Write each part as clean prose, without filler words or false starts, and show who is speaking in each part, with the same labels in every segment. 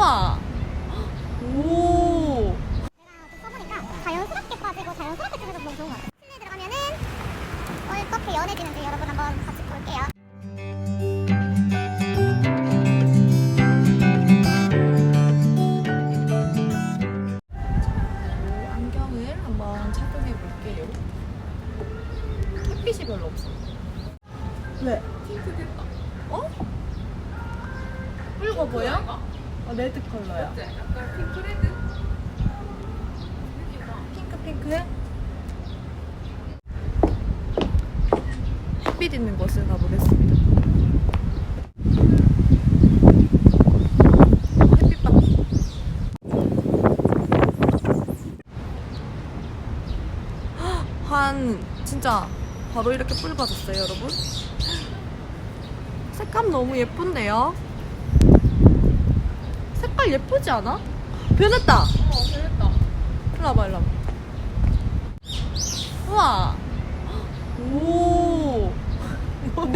Speaker 1: 우와. 오.
Speaker 2: 내가 써보니까 자연스럽게 빠지고 자연스럽게 찌면서 너무 좋은 것 같아요. 실내 들어가면은 어떻게 연해지는지 여러분 한번 같이 볼게요.
Speaker 1: 안경을 한번 착용해 볼게요. 햇빛이 별로 없어. 왜?
Speaker 3: 핑크겠다.
Speaker 1: 어? 붉어 보여? 레드 컬러야.
Speaker 3: 어때? 약간 핑크레드?
Speaker 1: 핑크해? 햇빛 있는 곳을 가보겠습니다. 햇빛 봐. 한 진짜 바로 이렇게 붉어졌어요, 여러분. 색감 너무 예쁜데요? 색깔 예쁘지 않아? 변했다.
Speaker 3: 됐다.
Speaker 1: 일로 와봐, 일로 와봐. 우와. 오. 뭐야?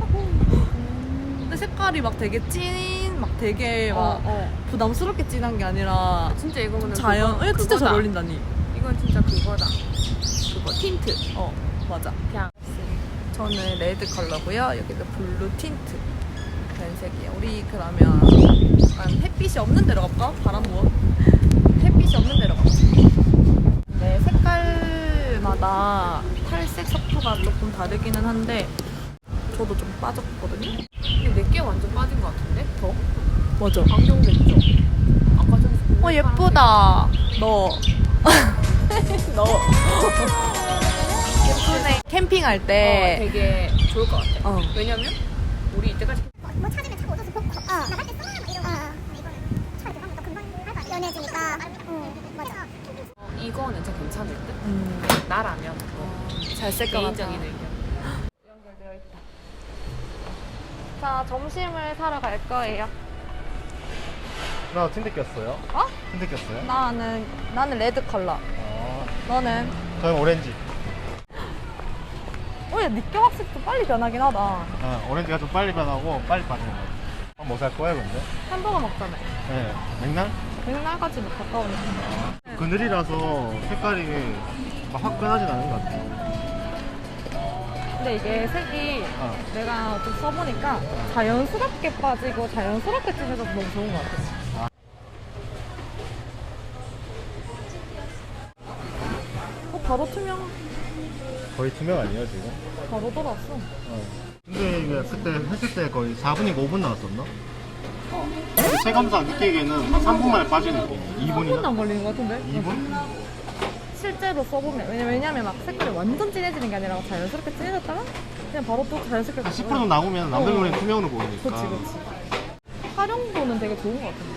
Speaker 1: 근데 색깔이 막 되게 막 되게 막 부담스럽게 진한 게 아니라
Speaker 3: 진짜 이거는
Speaker 1: 자연.
Speaker 3: 그거,
Speaker 1: 진짜 잘
Speaker 3: 그거다.
Speaker 1: 어울린다니.
Speaker 3: 이건 진짜 그거다. 그거 틴트.
Speaker 1: 맞아.
Speaker 3: 그냥
Speaker 1: 저는 레드 컬러고요. 여기도 블루 틴트 변색이에요. 우리 그러면 약간 햇빛이 없는 데로 갈까? 바람 부어. 햇빛이 없는 데로 가자. 네, 색깔마다 탈색 섞어가 조금 다르기는 한데 저도 좀 빠졌거든요.
Speaker 3: 근데 내게 완전 빠진 것 같은데? 더?
Speaker 1: 맞아.
Speaker 3: 안경 됐죠? 아까 전에
Speaker 1: 예쁘다. 너. 예쁘네. 캠핑할 때.
Speaker 3: 되게 좋을 것 같아. 왜냐면 우리 이때까지
Speaker 2: 뭐 찾으면 자꾸 얻어서 벗고 나갈 때 써놔 막 이러고 근데 이거는 차에 들어가면 또 금방 연해지니까 맞아.
Speaker 3: 이거는 진짜 괜찮을 듯? 나라면
Speaker 1: 잘 쓸 것 같아.
Speaker 3: 개인적인 의견.
Speaker 1: 연결되어 있다. 자, 점심을 사러 갈 거예요.
Speaker 4: 나 틴트 꼈어요.
Speaker 1: 어?
Speaker 4: 틴트 꼈어요?
Speaker 1: 나는 레드 컬러. 너는?
Speaker 4: 저는 오렌지.
Speaker 1: 야, 니꺼 확실히 좀 빨리 변하긴 하다.
Speaker 4: 오렌지가 좀 빨리 변하고 빨리 빠지는 것 같아요. 뭐 살 거예요, 근데?
Speaker 1: 햄버거 먹자며.
Speaker 4: 네. 맥날?
Speaker 1: 맥날까지 뭐 가까우니까.
Speaker 4: 그늘이라서 색깔이 막 화끈하진 않은 것 같아요.
Speaker 1: 근데 이게 색이 내가 좀 써보니까 자연스럽게 빠지고 자연스럽게 찌면서 너무 좋은 것 같아. 바로 투명.
Speaker 4: 거의 투명 아니에요, 지금?
Speaker 1: 바로 돌아왔어.
Speaker 4: 근데 이게 그때 했을 때 거의 4분인가 5분 나왔었나? 체감상 느끼기에는 한 3분 만에 빠지는 느낌이에요.
Speaker 1: 3분도
Speaker 4: 2분이나?
Speaker 1: 안 걸리는 것 같은데?
Speaker 4: 2분?
Speaker 1: 실제로 써보면 왜냐면 막 색깔이 완전 진해지는 게 아니라 자연스럽게 진해졌다가 그냥 바로 또 자연스럽게
Speaker 4: 한 10% 정도 나오면 남들 눈에 투명으로 보이니까.
Speaker 1: 그치. 활용도는 되게 좋은 것 같은데.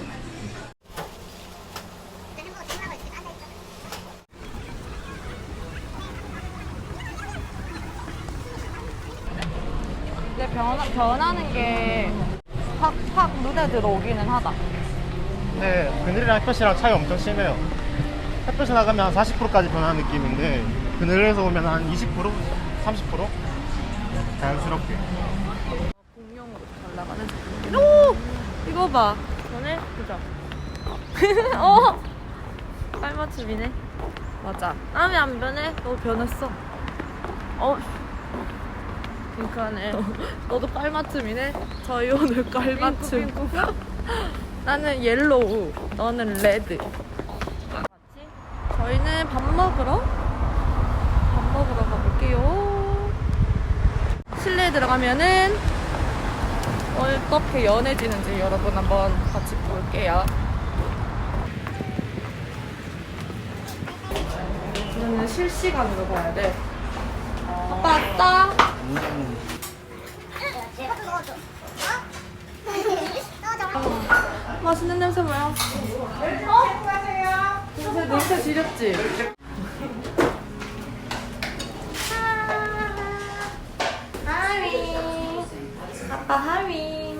Speaker 1: 근데 변하는 게 확 눈에 들어오기는 하다.
Speaker 4: 네, 그늘이랑 햇볕이랑 차이 엄청 심해요. 햇볕이 나가면 한 40%까지 변하는 느낌인데 그늘에서 오면 한 20%? 30%? 자연스럽게.
Speaker 1: 공룡으로 잘 나가는 제품. 오! 이거 봐. 전에 보자. 깔맞춤이네. 맞아. 땀이 안 변해? 너 변했어. 핑크하네. 너도 깔맞춤이네. 저희 오늘 깔맞춤. 나는 옐로우, 너는 레드. 저희는 밥 먹으러 가볼게요. 실내에 들어가면은 어떻게 연해지는지 여러분 한번 같이 볼게요. 이거는 실시간으로 봐야 돼. 아빠 왔다. 맛있는 냄새 뭐야? 냄새 지렸지? 하위. 아빠 하위.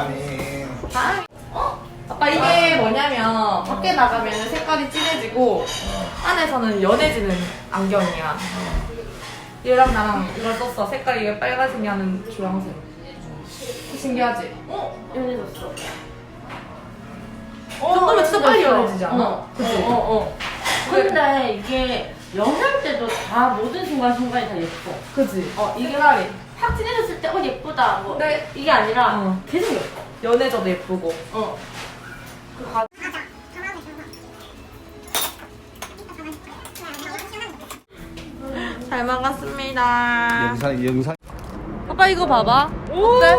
Speaker 1: 아빠 이게 뭐냐면 밖에 나가면 색깔이 진해지고 안에서는 연해지는 안경이야. 얘랑 나랑 이걸 썼어. 색깔이 이게 빨간색이 하는 주황색. 신기하지? 연해졌어. 빨리 연해지지 않아?
Speaker 5: 그치? 근데 이게 연애할 때도 다 모든 순간순간이 다 예뻐.
Speaker 1: 그치?
Speaker 5: 이게
Speaker 1: 색깔이.
Speaker 5: 확 진해졌을 때 예쁘다 뭐
Speaker 1: 네.
Speaker 5: 이게 아니라
Speaker 1: 어.
Speaker 5: 계속 예뻐.
Speaker 1: 연해져도 예쁘고.
Speaker 5: 그 과...
Speaker 1: 잘 먹었습니다.
Speaker 6: 영상
Speaker 1: 오빠 이거 봐봐. 어때?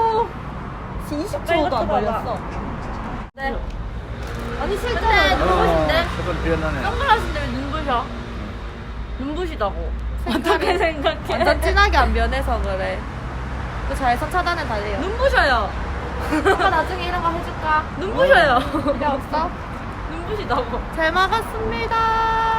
Speaker 1: 20초도 안 걸렸어.
Speaker 5: 네.
Speaker 1: 아니 실제
Speaker 5: 눈부신데?
Speaker 6: 색깔 변하네.
Speaker 5: 선글라스인데 왜 눈부셔? 눈부시다고. 어떻게 생각해?
Speaker 1: 완전 진하게 안 변해서 그래. 그 자외선 차단에 달려요.
Speaker 5: 눈부셔요.
Speaker 1: 오빠 나중에 이런 거 해줄까?
Speaker 5: 눈부셔요.
Speaker 1: 필요 없어?
Speaker 5: 눈부시다고.
Speaker 1: 잘 먹었습니다.